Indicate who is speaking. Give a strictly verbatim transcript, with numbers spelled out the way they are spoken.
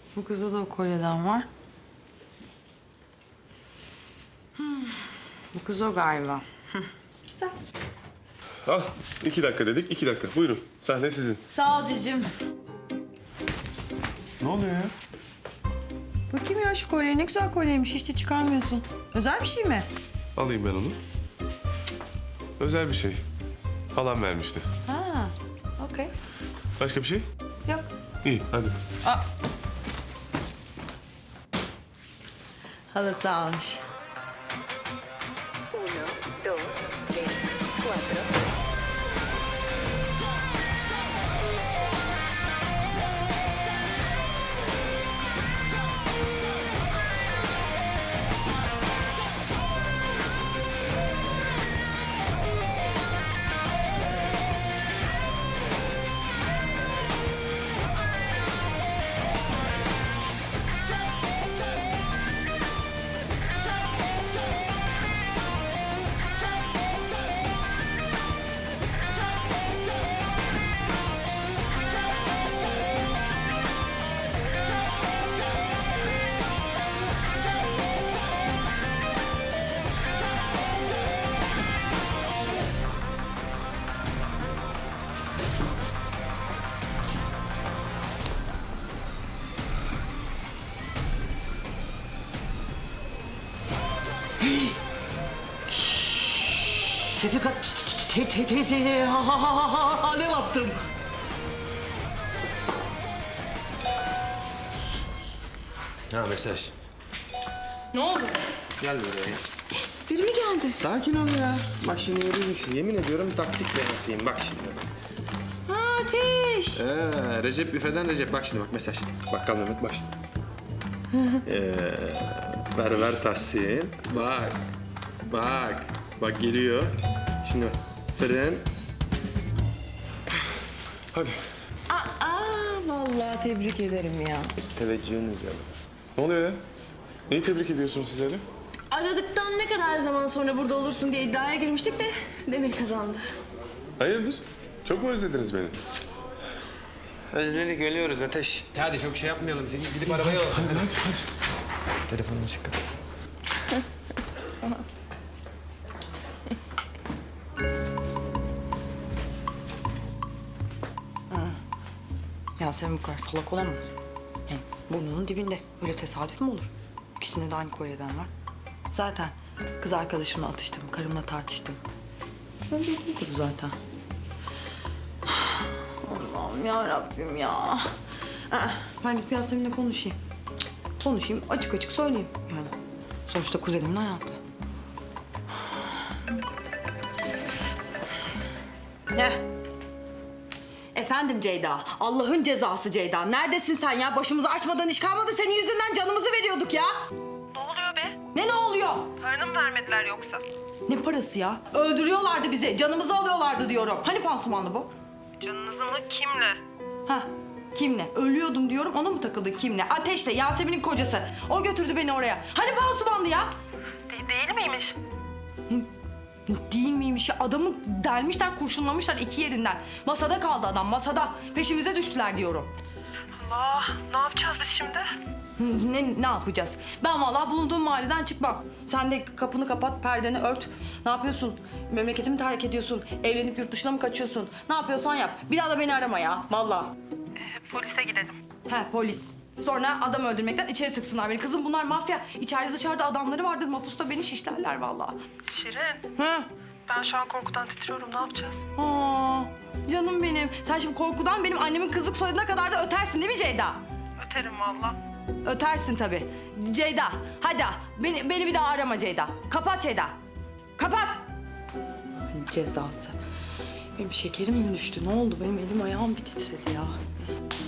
Speaker 1: Bu kızda da o kolyeden var. Hmm. Bu kız o galiba. Güzel.
Speaker 2: Al, iki dakika dedik, iki dakika. Buyurun, sahne sizin.
Speaker 1: Sağ ol cicim.
Speaker 2: Ne oluyor ya?
Speaker 1: Bakayım ya şu kolye ne güzel kolyeymiş. Hiç de çıkarmıyorsun. Özel bir şey mi?
Speaker 2: Alayım ben onu. Özel bir şey. Halam vermişti.
Speaker 1: Ha, okey.
Speaker 2: Başka bir şey?
Speaker 1: Yok.
Speaker 2: İyi, hadi.
Speaker 1: Aa. Halası almış.
Speaker 3: Uno, dos, tres, cuatro.
Speaker 4: Şefika te te teyze ha ha ha ha alev attım.
Speaker 5: Ha mesaj.
Speaker 1: Ne oldu?
Speaker 5: Gel buraya.
Speaker 1: Biri mi geldi?
Speaker 5: Sakin ol ya. Bak şimdi göreceksin. Yemin ediyorum taktik denesiyim. Bak şimdi.
Speaker 1: Ha Ateş.
Speaker 5: Ee, Recep büfeden Recep. Bak şimdi bak mesaj. Bakkal Mehmet bak şimdi. ee, Berber Tahsin. Bak. Bak. Bak geliyor. Şimdi bak. Fırın.
Speaker 2: Hadi.
Speaker 1: Aa, vallahi tebrik ederim ya.
Speaker 5: Teveccühünüz ya.
Speaker 2: Ne oluyor ya? Neyi tebrik ediyorsunuz siz öyle?
Speaker 6: Aradıktan ne kadar zaman sonra burada olursun diye iddiaya girmiştik de Demir kazandı.
Speaker 2: Hayırdır? Çok mu özlediniz beni?
Speaker 5: Özledik ölüyoruz Ateş. Hadi çok şey yapmayalım. Seni gidip arabaya al.
Speaker 2: Hadi, hadi, hadi.
Speaker 5: Telefonunu çıkar.
Speaker 1: Yasemin bu kadar salak olamaz. Yani burnunun dibinde. Öyle tesadüf mü olur? İkisinde de aynı kolyeden var. Zaten kız arkadaşımla atıştım, karımla tartıştım. Önce bu zaten. Allah'ım ya Rabbim ya. Aa, ben gidip Yasemin'le konuşayım. Konuşayım, açık açık söyleyeyim yani. Sonuçta kuzenimin hayatı. Heh. Efendim Ceyda, Allah'ın cezası Ceyda. Neredesin sen ya? Başımızı açmadan iş kalmadı. Senin yüzünden canımızı veriyorduk ya.
Speaker 7: Ne oluyor be?
Speaker 1: Ne ne oluyor?
Speaker 7: Paranı mı vermediler yoksa?
Speaker 1: Ne parası ya? Öldürüyorlardı bizi. Canımızı alıyorlardı diyorum. Hani pansumanlı bu?
Speaker 7: Canınızı mı? Kimle?
Speaker 1: Ha, kimle? Ölüyordum diyorum. Ona mı takıldın kimle? Ateş'le, Yasemin'in kocası. O götürdü beni oraya. Hani pansumanlı ya?
Speaker 7: De- değil miymiş?
Speaker 1: Değil miymiş ya? Adamı delmişler, kurşunlamışlar iki yerinden. Masada kaldı adam, masada. Peşimize düştüler diyorum.
Speaker 7: Allah, ne yapacağız biz şimdi?
Speaker 1: Ne, ne yapacağız? Ben vallahi bulunduğum mahalleden çıkmam. Sen de kapını kapat, perdeni ört. Ne yapıyorsun? Memleketimi terk ediyorsun. Evlenip yurt dışına mı kaçıyorsun? Ne yapıyorsan yap. Bir daha da beni arama ya, vallahi.
Speaker 7: Ee, polise gidelim.
Speaker 1: He, polis. Sonra adam öldürmekten içeri tıksınlar beni. Kızım bunlar mafya. İçeride dışarıda adamları vardır. Mapusta beni şişlerler vallahi.
Speaker 7: Şirin,
Speaker 1: Hı?
Speaker 7: ben şu an korkudan titriyorum. Ne yapacağız?
Speaker 1: Aa, canım benim. Sen şimdi korkudan benim annemin kızlık soyadına kadar da ötersin değil mi Ceyda?
Speaker 7: Öterim valla.
Speaker 1: Ötersin tabii. Ceyda, hadi beni, beni bir daha arama Ceyda. Kapat Ceyda. Kapat. Ay, cezası. Benim şekerim mi düştü? Ne oldu? Benim elim ayağım bir titredi ya.